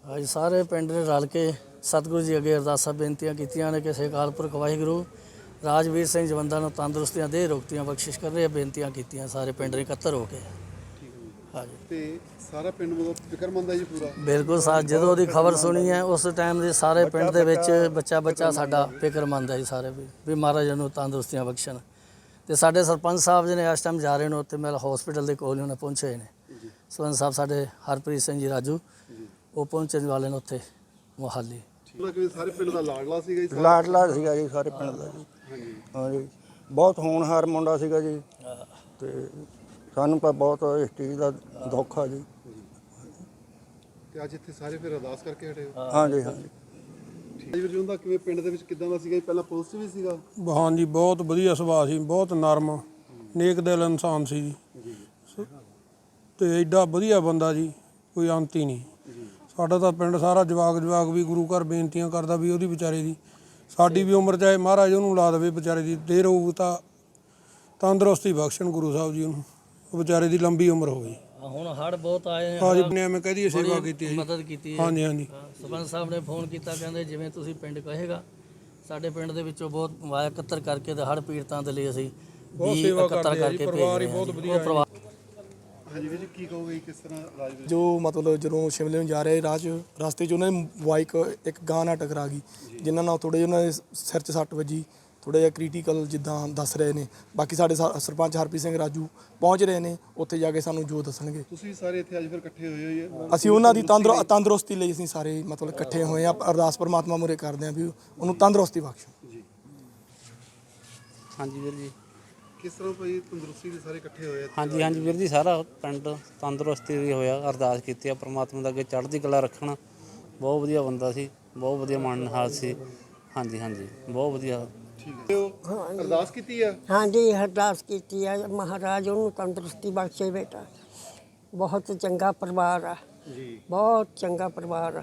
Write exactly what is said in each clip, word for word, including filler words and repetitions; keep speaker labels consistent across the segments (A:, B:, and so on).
A: ਅੱਜ ਸਾਰੇ ਪਿੰਡ ਨੇ ਰਲ ਕੇ ਸਤਿਗੁਰੂ ਜੀ ਅੱਗੇ ਅਰਦਾਸਾਂ ਬੇਨਤੀਆਂ ਕੀਤੀਆਂ ਨੇ ਕਿ ਸੇ ਅਕਾਲ ਪੁਰਖ ਵਾਹਿਗੁਰੂ ਰਾਜਵੀਰ ਸਿੰਘ ਜਵੰਦਾਂ ਨੂੰ ਤੰਦਰੁਸਤੀਆਂ ਦੇ ਰੋਗਤੀਆਂ ਬਖਸ਼ਿਸ਼ ਕਰ ਰਹੇ ਬੇਨਤੀਆਂ ਕੀਤੀਆਂ ਸਾਰੇ ਪਿੰਡ ਨੇ ਇਕੱਤਰ ਹੋ ਕੇ। ਹਾਂਜੀ
B: ਤੇ ਸਾਰਾ ਪਿੰਡ ਮਤਲਬ ਫਿਕਰਮੰਦ ਹੈ ਜੀ ਪੂਰਾ।
A: ਬਿਲਕੁਲ ਸਾ ਜਦੋਂ ਉਹਦੀ ਖਬਰ ਸੁਣੀ ਹੈ ਉਸ ਟਾਈਮ ਦੇ ਸਾਰੇ ਪਿੰਡ ਦੇ ਵਿੱਚ ਬੱਚਾ ਬੱਚਾ ਸਾਡਾ ਫਿਕਰਮੰਦ ਹੈ ਜੀ ਸਾਰੇ ਵੀ ਵੀ ਮਹਾਰਾਜ ਨੂੰ ਤੰਦਰੁਸਤੀਆਂ ਬਖਸ਼ਣ। ਤੇ ਸਾਡੇ ਸਰਪੰਚ ਸਾਹਿਬ ਜੀ ਨੇ ਇਸ ਟਾਈਮ ਜਾ ਰਹੇ ਨੇ ਉੱਥੇ ਮੈਲ ਹਸਪੀਟਲ ਦੇ ਕੋਲ ਉਹਨੇ ਪਹੁੰਚੇ ਨੇ। ਸਰਪੰਚ ਸਾਹਿਬ ਸਾਡੇ ਹਰਪ੍ਰੀਤ ਸਿੰਘ ਜੀ ਰਾਜੂ ਉਹ ਪਹੁੰਚਣ ਵਾਲੇ ਨੇ ਉੱਥੇ ਮੁਹਾਲੀ।
B: ਸਾਰੇ ਪਿੰਡ ਦਾ ਲਾਡਲਾ ਸੀਗਾ ਜੀ।
C: ਲਾਡਲਾ ਸੀਗਾ ਜੀ ਸਾਰੇ ਪਿੰਡ ਦਾ ਜੀ। ਹਾਂਜੀ ਹਾਂਜੀ ਬਹੁਤ ਹੋਣਹਾਰ ਮੁੰਡਾ ਸੀਗਾ ਜੀ। ਤੇ ਸਾਨੂੰ ਤਾਂ ਬਹੁਤ ਇਸ ਚੀਜ਼ ਦਾ ਦੁੱਖ ਆ ਜੀ।
B: ਤੇ ਅੱਜ ਇੱਥੇ ਸਾਰੇ ਫਿਰ ਅਰਦਾਸ ਕਰਕੇ ਹਟੇ ਹੋ।
C: ਹਾਂਜੀ ਹਾਂਜੀ
B: ਵੀਰ ਜੀ ਦਾ ਕਿਵੇਂ ਪਿੰਡ ਦੇ ਵਿੱਚ ਕਿੱਦਾਂ ਦਾ ਸੀਗਾ ਜੀ? ਪਹਿਲਾਂ ਪੁਲਿਸ ਵੀ ਸੀਗਾ।
D: ਹਾਂਜੀ ਬਹੁਤ ਵਧੀਆ ਸੁਭਾਅ ਸੀ, ਬਹੁਤ ਨਰਮ ਨੇਕ ਦਿਲ ਇਨਸਾਨ ਸੀ ਜੀ। ਤੇ ਐਡਾ ਵਧੀਆ ਬੰਦਾ ਜੀ, ਕੋਈ ਅੰਤ ਹੀ ਨਹੀਂ। ਸਾਡਾ ਤਾਂ ਪਿੰਡ ਸਾਰਾ ਜਵਾਕ ਜਵਾਕ ਵੀ ਗੁਰੂ ਘਰ ਬੇਨਤੀਆਂ ਕਰਦਾ ਵੀ ਉਹਦੀ ਵਿਚਾਰੇ ਦੀ ਸਾਡੀ ਵੀ ਉਮਰ ਚਾਹੇ ਮਹਾਰਾਜ ਉਹਨੂੰ ਲਾ ਦੇਵੇ ਵਿਚਾਰੇ ਦੀ ਦੇਰ ਹੋਊ ਤਾਂ ਤੰਦਰੁਸਤੀ ਬਖਸ਼ਣ ਗੁਰੂ ਸਾਹਿਬ ਜੀ ਉਹਨੂੰ, ਉਹ ਵਿਚਾਰੇ ਦੀ ਲੰਬੀ ਉਮਰ ਹੋਵੇ।
A: ਹੁਣ ਹੜ੍ਹ ਬਹੁਤ ਆਏ
D: ਹਾਂਜੀ ਨੇ ਮੈਂ ਕਹਦੀ ਸੇਵਾ ਕੀਤੀ ਹੈ,
A: ਮਦਦ ਕੀਤੀ।
D: ਹਾਂਜੀ ਹਾਂਜੀ
A: ਸਰਪੰਚ ਸਾਹਿਬ ਨੇ ਫੋਨ ਕੀਤਾ, ਕਹਿੰਦੇ ਜਿਵੇਂ ਤੁਸੀਂ ਪਿੰਡ ਕਹੇਗਾ। ਸਾਡੇ ਪਿੰਡ ਦੇ ਵਿੱਚੋਂ ਬਹੁਤ ਵਾਇਆ ਇਕੱਤਰ ਕਰਕੇ ਤੇ ਹੜ੍ਹ ਪੀੜਤਾਂ ਦੇ ਲਈ ਅਸੀਂ
D: ਬਹੁਤ ਸੇਵਾ ਕਰਦੇ ਹਾਂ ਜੀ। ਪਰਿਵਾਰ ਹੀ ਬਹੁਤ ਵਧੀਆ ਹੈ।
B: ਹਾਂਜੀ ਵੀਰ ਜੀ ਕੀ ਕਹੋਗੇ ਕਿਸ ਤਰ੍ਹਾਂ ਰਾਜਵੀਰ
E: ਜੋ ਮਤਲਬ ਜਦੋਂ ਸ਼ਿਮਲੇ ਨੂੰ ਜਾ ਰਹੇ ਰਾਹ 'ਚ ਰਸਤੇ 'ਚ ਉਹਨਾਂ ਦੀ ਬਾਈਕ ਇੱਕ ਗਾਂ ਨਾਲ ਟਕਰਾ ਗਈ, ਜਿਨ੍ਹਾਂ ਨਾਲ ਥੋੜ੍ਹੇ ਜਿਹੇ ਉਹਨਾਂ ਦੇ ਸਿਰ 'ਚ ਸੱਟ ਵੱਜੀ, ਥੋੜ੍ਹਾ ਜਿਹਾ ਕ੍ਰਿਟੀਕਲ ਜਿੱਦਾਂ ਦੱਸ ਰਹੇ ਨੇ। ਬਾਕੀ ਸਾਡੇ ਸਰਪੰਚ ਹਰਪ੍ਰੀਤ ਸਿੰਘ ਰਾਜੂ ਪਹੁੰਚ ਰਹੇ ਨੇ, ਉੱਥੇ ਜਾ ਕੇ ਸਾਨੂੰ ਜੋ ਦੱਸਣਗੇ।
B: ਤੁਸੀਂ ਸਾਰੇ ਇੱਥੇ ਅੱਜ ਫਿਰ ਇਕੱਠੇ ਹੋਏ ਹੋਏ ਹੋ।
E: ਅਸੀਂ ਉਹਨਾਂ ਦੀ ਤੰਦਰ ਤੰਦਰੁਸਤੀ ਲਈ ਅਸੀਂ ਸਾਰੇ ਮਤਲਬ ਇਕੱਠੇ ਹੋਏ ਆ। ਅਰਦਾਸ ਪਰਮਾਤਮਾ ਮੂਹਰੇ ਕਰਦੇ ਹਾਂ ਵੀ ਉਹਨੂੰ ਤੰਦਰੁਸਤੀ ਬਖਸ਼ੋ
B: ਜੀ।
F: ਹਾਂਜੀ ਵੀਰ ਜੀ
B: ਕਿਸ ਤਰ੍ਹਾਂ ਭਾਈ ਤੰਦਰੁਸਤੀ ਦੇ ਸਾਰੇ ਇਕੱਠੇ ਹੋਏ?
F: ਹਾਂਜੀ ਹਾਂਜੀ ਵੀਰ ਜੀ ਸਾਰਾ ਪਿੰਡ ਤੰਦਰੁਸਤੀ ਦੀ ਹੋਇਆ। ਅਰਦਾਸ ਕੀਤੀ ਆ ਪ੍ਰਮਾਤਮਾ ਦਾ ਅੱਗੇ ਚੜ੍ਹਦੀ ਕਲਾ ਰੱਖਣ। ਬਹੁਤ ਵਧੀਆ ਬੰਦਾ ਸੀ, ਬਹੁਤ ਵਧੀਆ ਮਨਹਾਲ ਸੀ। ਹਾਂਜੀ ਹਾਂਜੀ ਬਹੁਤ ਵਧੀਆ।
B: ਠੀਕ ਹੈ ਅਰਦਾਸ ਕੀਤੀ ਆ।
G: ਹਾਂਜੀ ਅਰਦਾਸ ਕੀਤੀ ਆ ਮਹਾਰਾਜ ਉਹਨੂੰ ਤੰਦਰੁਸਤੀ ਬਖਸ਼ੇ ਬੇਟਾ। ਬਹੁਤ ਚੰਗਾ ਪਰਿਵਾਰ ਆ ਜੀ, ਬਹੁਤ ਚੰਗਾ ਪਰਿਵਾਰ ਆ।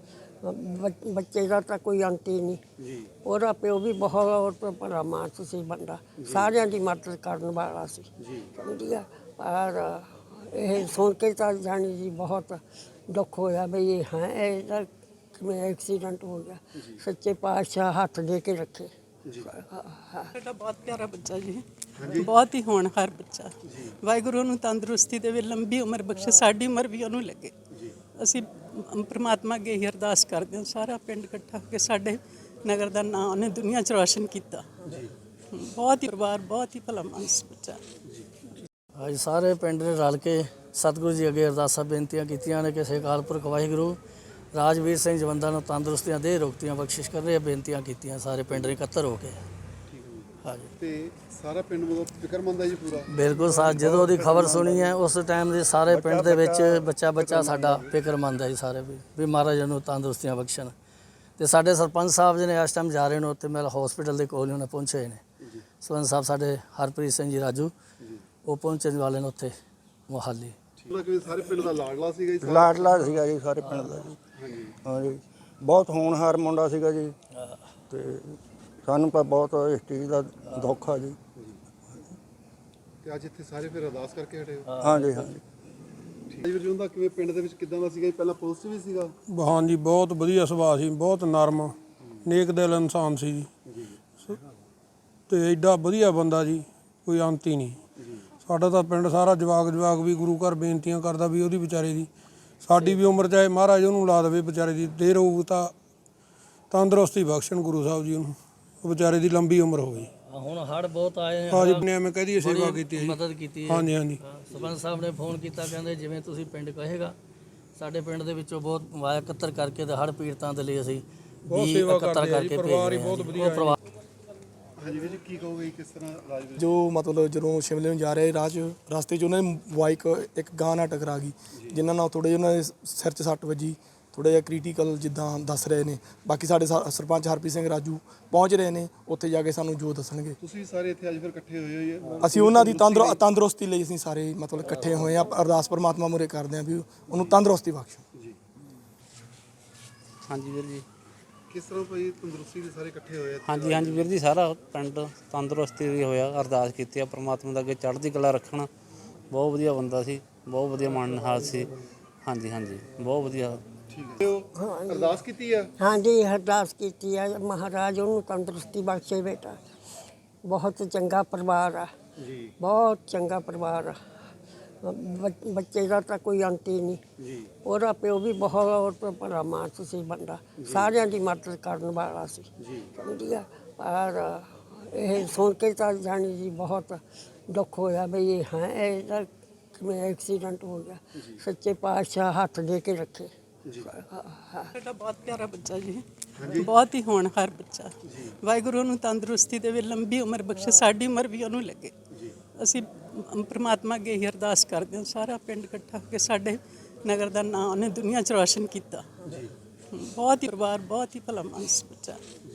G: ਬੱਚੇ ਦਾ ਤਾਂ ਕੋਈ ਅੰਤ ਹੀ ਨਹੀਂ ਜੀ। ਉਹਦਾ ਪਿਓ ਵੀ ਬਹੁਤ ਭਲਾ ਮਾਨਸ ਸੀ ਬੰਦਾ, ਸਾਰਿਆਂ ਦੀ ਮਦਦ ਕਰਨ ਵਾਲਾ ਸੀ ਜੀ। ਸਮਝੀ ਆ। ਪਰ ਇਹ ਸੁਣ ਕੇ ਤਾਂ ਜਾਣੀ ਜੀ ਬਹੁਤ ਦੁੱਖ ਹੋਇਆ ਵੀ ਇਹ ਹੈ ਇਹਦਾ ਕਿਵੇਂ ਐਕਸੀਡੈਂਟ ਹੋ ਗਿਆ। ਸੱਚੇ ਪਾਤਸ਼ਾਹ ਹੱਥ ਦੇ ਕੇ ਰੱਖੇ।
H: ਸਾਡਾ ਬਹੁਤ ਪਿਆਰਾ ਬੱਚਾ ਜੀ, ਬਹੁਤ ਹੀ ਹੋਣਹਾਰ ਬੱਚਾ। ਵਾਹਿਗੁਰੂ ਨੂੰ ਤੰਦਰੁਸਤੀ ਦੇਵੇ, ਲੰਬੀ ਉਮਰ ਬਖਸ਼ੇ, ਸਾਡੀ ਉਮਰ ਵੀ ਉਹਨੂੰ ਲੱਗੇ। ਅਸੀਂ ਪਰਮਾਤਮਾ ਅੱਗੇ ਹੀ ਅਰਦਾਸ ਕਰਦੇ ਹਾਂ। ਸਾਰਾ ਪਿੰਡ ਇਕੱਠਾ ਹੋ ਕੇ ਸਾਡੇ ਨਗਰ ਦਾ ਨਾਂ ਉਹਨੇ ਦੁਨੀਆ 'ਚ ਰੌਸ਼ਨ ਕੀਤਾ। ਬਹੁਤ ਹੀ ਪਰਿਵਾਰ, ਬਹੁਤ ਹੀ ਭਲਾ ਮਾਨਸ ਬੱਚਾ।
A: ਅੱਜ ਸਾਰੇ ਪਿੰਡ ਨੇ ਰਲ ਕੇ ਸਤਿਗੁਰੂ ਜੀ ਅੱਗੇ ਅਰਦਾਸਾਂ ਬੇਨਤੀਆਂ ਕੀਤੀਆਂ ਨੇ ਕਿ ਸੇ ਅਕਾਲ ਪੁਰਖ ਵਾਹਿਗੁਰੂ ਰਾਜਵੀਰ ਸਿੰਘ ਜਵੰਦਾਂ ਨੂੰ ਤੰਦਰੁਸਤੀਆਂ ਦੇ ਰੋਗਤੀਆਂ ਬਖਸ਼ਿਸ਼ ਕਰ ਰਹੇ ਬੇਨਤੀਆਂ ਕੀਤੀਆਂ ਸਾਰੇ ਪਿੰਡ ਨੇ ਇਕੱਤਰ ਹੋ ਕੇ। ਹਾਂਜੀ
B: ਤੇ ਸਾਰਾ ਪਿੰਡ ਮਤਲਬ ਫਿਕਰਮੰਦ ਹੈ ਜੀ ਪੂਰਾ।
A: ਬਿਲਕੁਲ ਸਾ ਜਦੋਂ ਉਹਦੀ ਖਬਰ ਸੁਣੀ ਹੈ ਉਸ ਟਾਈਮ ਦੇ ਸਾਰੇ ਪਿੰਡ ਦੇ ਵਿੱਚ ਬੱਚਾ ਬੱਚਾ ਸਾਡਾ ਫਿਕਰਮੰਦ ਹੈ ਜੀ ਸਾਰੇ ਵੀ ਵੀ ਮਹਾਰਾਜ ਨੂੰ ਤੰਦਰੁਸਤੀਆਂ ਬਖਸ਼ਣ। ਤੇ ਸਾਡੇ ਸਰਪੰਚ ਸਾਹਿਬ ਜੀ ਨੇ ਇਸ ਟਾਈਮ ਜਾ ਰਹੇ ਨੇ ਉੱਥੇ ਮੈਲ ਹਸਪੀਟਲ ਦੇ ਕੋਲ ਉਹਨੇ ਪਹੁੰਚੇ ਨੇ। ਸਰਪੰਚ ਸਾਹਿਬ ਸਾਡੇ ਹਰਪ੍ਰੀਤ ਸਿੰਘ ਜੀ ਰਾਜੂ ਉਹ ਪਹੁੰਚਣ ਵਾਲੇ ਨੇ ਉੱਥੇ ਮੁਹਾਲੀ।
B: ਸਾਰੇ ਪਿੰਡ ਦਾ ਲਾਡਲਾ ਸੀਗਾ ਜੀ।
C: ਲਾਡਲਾ ਸੀਗਾ ਜੀ ਸਾਰੇ ਪਿੰਡ ਦਾ ਜੀ। ਹਾਂਜੀ ਹਾਂਜੀ ਬਹੁਤ ਹੋਣਹਾਰ ਮੁੰਡਾ ਸੀਗਾ ਜੀ। ਤੇ ਸਾਨੂੰ ਤਾਂ ਬਹੁਤ ਇਸ ਚੀਜ਼ ਦਾ ਦੁੱਖ ਆ ਜੀ।
B: ਤੇ ਅੱਜ ਇੱਥੇ ਸਾਰੇ ਫਿਰ ਅਰਦਾਸ ਕਰਕੇ ਹਟੇ ਹੋ।
C: ਹਾਂਜੀ ਹਾਂਜੀ
B: ਵੀਰ ਜੀ ਦਾ ਕਿਵੇਂ ਪਿੰਡ ਦੇ ਵਿੱਚ ਕਿੱਦਾਂ ਦਾ ਸੀਗਾ ਜੀ? ਪਹਿਲਾਂ ਪੁਲਿਸ ਵੀ ਸੀਗਾ।
D: ਹਾਂਜੀ ਬਹੁਤ ਵਧੀਆ ਸੁਭਾਅ ਸੀ, ਬਹੁਤ ਨਰਮ ਨੇਕ ਦਿਲ ਇਨਸਾਨ ਸੀ ਜੀ। ਤੇ ਐਡਾ ਵਧੀਆ ਬੰਦਾ ਜੀ, ਕੋਈ ਅੰਤ ਹੀ ਨਹੀਂ। ਸਾਡਾ ਤਾਂ ਪਿੰਡ ਸਾਰਾ ਜਵਾਕ ਜਵਾਕ ਵੀ ਗੁਰੂ ਘਰ ਬੇਨਤੀਆਂ ਕਰਦਾ ਵੀ ਉਹਦੀ ਵਿਚਾਰੇ ਦੀ ਸਾਡੀ ਵੀ ਉਮਰ ਚਾਹੇ ਮਹਾਰਾਜ ਉਹਨੂੰ ਲਾ ਦੇਵੇ ਵਿਚਾਰੇ ਦੀ ਦੇਰ ਹੋਊ ਤਾਂ ਤੰਦਰੁਸਤੀ ਬਖਸ਼ਣ ਗੁਰੂ ਸਾਹਿਬ ਜੀ ਉਹਨੂੰ, ਉਹ ਵਿਚਾਰੇ ਦੀ ਲੰਬੀ ਉਮਰ ਹੋਵੇ।
A: ਹੁਣ ਹੜ੍ਹ ਬਹੁਤ ਆਏ
D: ਹਾਂਜੀ ਨੇ ਮੈਂ ਕਹਦੀ ਸੇਵਾ ਕੀਤੀ ਹੈ,
A: ਮਦਦ ਕੀਤੀ।
D: ਹਾਂਜੀ ਹਾਂਜੀ
A: ਸਰਪੰਚ ਸਾਹਿਬ ਨੇ ਫੋਨ ਕੀਤਾ, ਕਹਿੰਦੇ ਜਿਵੇਂ ਤੁਸੀਂ ਪਿੰਡ ਕਹੇਗਾ। ਸਾਡੇ ਪਿੰਡ ਦੇ ਵਿੱਚੋਂ ਬਹੁਤ ਵਾਇਆ ਇਕੱਤਰ ਕਰਕੇ ਤੇ ਹੜ੍ਹ ਪੀੜਤਾਂ ਦੇ ਲਈ ਅਸੀਂ
D: ਬਹੁਤ ਸੇਵਾ ਕਰਦੇ ਹਾਂ ਜੀ। ਪਰਿਵਾਰ ਹੀ ਬਹੁਤ ਵਧੀਆ ਹੈ।
B: ਹਾਂਜੀ ਵੀਰ ਜੀ ਕੀ ਕਹੋਗੇ ਕਿਸ ਤਰ੍ਹਾਂ ਰਾਜਵੀਰ?
E: ਜੋ ਮਤਲਬ ਜਦੋਂ ਸ਼ਿਮਲੇ ਨੂੰ ਜਾ ਰਹੇ ਰਾਹ 'ਚ ਰਸਤੇ 'ਚ ਉਹਨਾਂ ਦੀ ਬਾਈਕ ਇੱਕ ਗਾਂ ਨਾਲ ਟਕਰਾ ਗਈ, ਜਿਨ੍ਹਾਂ ਨਾਲ ਥੋੜ੍ਹੇ ਜਿਹੇ ਉਹਨਾਂ ਦੇ ਸਿਰ 'ਚ ਸੱਟ ਵੱਜੀ, ਥੋੜ੍ਹਾ ਜਿਹਾ ਕ੍ਰਿਟੀਕਲ ਜਿੱਦਾਂ ਦੱਸ ਰਹੇ ਨੇ। ਬਾਕੀ ਸਾਡੇ ਸਰਪੰਚ ਹਰਪ੍ਰੀਤ ਸਿੰਘ ਰਾਜੂ ਪਹੁੰਚ ਰਹੇ ਨੇ, ਉੱਥੇ ਜਾ ਕੇ ਸਾਨੂੰ ਜੋ ਦੱਸਣਗੇ।
B: ਤੁਸੀਂ ਸਾਰੇ ਇੱਥੇ ਅੱਜ ਫਿਰ ਇਕੱਠੇ ਹੋਏ ਹੋਏ ਹੋ।
E: ਅਸੀਂ ਉਹਨਾਂ ਦੀ ਤੰਦਰ ਤੰਦਰੁਸਤੀ ਲਈ ਅਸੀਂ ਸਾਰੇ ਮਤਲਬ ਇਕੱਠੇ ਹੋਏ ਆ। ਅਰਦਾਸ ਪਰਮਾਤਮਾ ਮੂਹਰੇ ਕਰਦੇ ਹਾਂ ਵੀ ਉਹਨੂੰ ਤੰਦਰੁਸਤੀ ਬਖਸ਼ੋ
B: ਜੀ।
F: ਹਾਂਜੀ ਵੀਰ ਜੀ
B: ਕਿਸ ਤਰ੍ਹਾਂ ਭਾਈ ਤੰਦਰੁਸਤੀ ਦੇ ਸਾਰੇ ਇਕੱਠੇ ਹੋਏ?
F: ਹਾਂਜੀ ਹਾਂਜੀ ਵੀਰ ਜੀ ਸਾਰਾ ਪਿੰਡ ਤੰਦਰੁਸਤੀ ਦੀ ਹੋਇਆ। ਅਰਦਾਸ ਕੀਤੀ ਆ ਪ੍ਰਮਾਤਮਾ ਦਾ ਅੱਗੇ ਚੜ੍ਹਦੀ ਕਲਾ ਰੱਖਣ। ਬਹੁਤ ਵਧੀਆ ਬੰਦਾ ਸੀ, ਬਹੁਤ ਵਧੀਆ ਮਨਹਾਲ ਸੀ। ਹਾਂਜੀ ਹਾਂਜੀ ਬਹੁਤ ਵਧੀਆ।
B: ਠੀਕ ਹੈ ਅਰਦਾਸ ਕੀਤੀ ਆ
G: ਹਾਂਜੀ ਅਰਦਾਸ ਕੀਤੀ ਹੈ ਮਹਾਰਾਜ ਉਹਨੂੰ ਤੰਦਰੁਸਤੀ ਬਖਸ਼ੇ ਬੇਟਾ। ਬਹੁਤ ਚੰਗਾ ਪਰਿਵਾਰ ਆ
B: ਜੀ
G: ਬਹੁਤ ਚੰਗਾ ਪਰਿਵਾਰ ਆ। ਬ- ਬੱਚੇ ਦਾ ਤਾਂ ਕੋਈ ਅੰਤ ਹੀ ਨਹੀਂ।
B: ਜੀ
G: ਉਹਦਾ ਪਿਓ ਵੀ ਬਹੁਤ ਭਲਾ ਮਾਨਸ ਸੀ ਬੰਦਾ, ਸਾਰਿਆਂ ਦੀ ਮਦਦ ਕਰਨ ਵਾਲਾ ਸੀ।
B: ਜੀ
G: ਸਮਝੀ ਆ। ਪਰ ਇਹ ਸੁਣ ਕੇ ਤਾਂ ਜਾਣੀ ਜੀ ਬਹੁਤ ਦੁੱਖ ਹੋਇਆ ਬਈ ਇਹ ਹੈ ਇਹਦਾ ਕਿਵੇਂ ਐਕਸੀਡੈਂਟ ਹੋ ਗਿਆ। ਸੱਚੇ ਪਾਤਸ਼ਾਹ ਹੱਥ ਦੇ ਕੇ ਰੱਖੇ।
B: ਜੀ
H: ਸਾਡਾ ਬਹੁਤ ਪਿਆਰਾ ਬੱਚਾ ਜੀ, ਬਹੁਤ ਹੀ ਹੋਣਹਾਰ ਬੱਚਾ। ਵਾਹਿਗੁਰੂ ਨੂੰ ਤੰਦਰੁਸਤੀ ਦੇਵੇ, ਲੰਬੀ ਉਮਰ ਬਖਸ਼ੇ, ਸਾਡੀ ਉਮਰ ਵੀ ਉਹਨੂੰ ਲੱਗੇ। ਅਸੀਂ ਪ੍ਰਮਾਤਮਾ ਅੱਗੇ ਹੀ ਅਰਦਾਸ ਕਰਦੇ ਹਾਂ, ਸਾਰਾ ਪਿੰਡ ਇਕੱਠਾ ਹੋ ਕੇ ਸਾਡੇ ਨਗਰ ਦਾ ਨਾਂ ਉਹਨੇ ਦੁਨੀਆ 'ਚ ਰੌਸ਼ਨ ਕੀਤਾ। ਬਹੁਤ ਹੀ ਪਰਿਵਾਰ, ਬਹੁਤ ਹੀ ਭਲਾ ਮਾਨਸ ਬੱਚਾ।